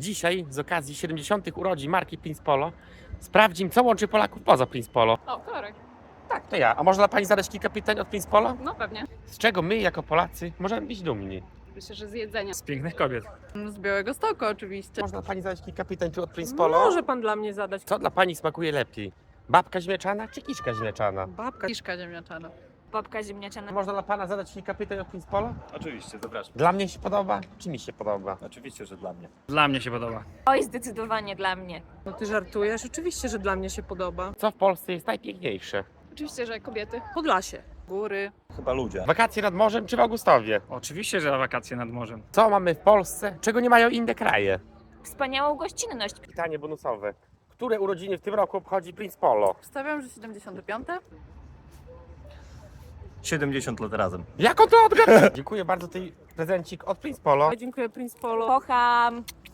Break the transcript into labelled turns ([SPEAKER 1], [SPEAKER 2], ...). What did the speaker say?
[SPEAKER 1] Dzisiaj z okazji 70. urodzin marki Prince Polo sprawdzim, co łączy Polaków poza Prince Polo.
[SPEAKER 2] O, kolorek.
[SPEAKER 1] Tak, to ja. A można Pani zadać kilka pytań od Prince Polo?
[SPEAKER 2] No pewnie.
[SPEAKER 1] Z czego my, jako Polacy, możemy być dumni?
[SPEAKER 2] Myślę, że z jedzenia.
[SPEAKER 3] Z pięknych kobiet.
[SPEAKER 4] Z Białegostoku oczywiście.
[SPEAKER 1] Można Pani zadać kilka pytań tu od Prince Polo?
[SPEAKER 5] Może pan dla mnie zadać.
[SPEAKER 1] Co dla Pani smakuje lepiej? Babka ziemniaczana czy kiszka ziemniaczana?
[SPEAKER 4] Babka. Kiszka ziemniaczana.
[SPEAKER 6] Babka ziemniaczana.
[SPEAKER 1] Można dla Pana zadać kilka pytań od Prince Polo?
[SPEAKER 3] Oczywiście, zapraszam.
[SPEAKER 1] Dla mnie się podoba, czy mi się podoba?
[SPEAKER 3] Oczywiście, że dla mnie. Dla mnie się podoba.
[SPEAKER 6] Oj, zdecydowanie dla mnie.
[SPEAKER 5] No ty żartujesz? Oczywiście, że dla mnie się podoba.
[SPEAKER 1] Co w Polsce jest najpiękniejsze?
[SPEAKER 2] Oczywiście, że kobiety.
[SPEAKER 5] Podlasie.
[SPEAKER 4] Góry.
[SPEAKER 3] Chyba ludzie.
[SPEAKER 1] Wakacje nad morzem czy w Augustowie?
[SPEAKER 3] Oczywiście, że wakacje nad morzem.
[SPEAKER 1] Co mamy w Polsce, czego nie mają inne kraje?
[SPEAKER 6] Wspaniałą gościnność.
[SPEAKER 1] Pytanie bonusowe. Które urodziny w tym roku obchodzi Prince Polo?
[SPEAKER 4] Wstawiam, że 75.
[SPEAKER 3] 70 lat razem.
[SPEAKER 1] Jak on to odgadł? Dziękuję bardzo, tej prezencik od Prince Polo.
[SPEAKER 5] Dziękuję Prince Polo.
[SPEAKER 6] Kocham.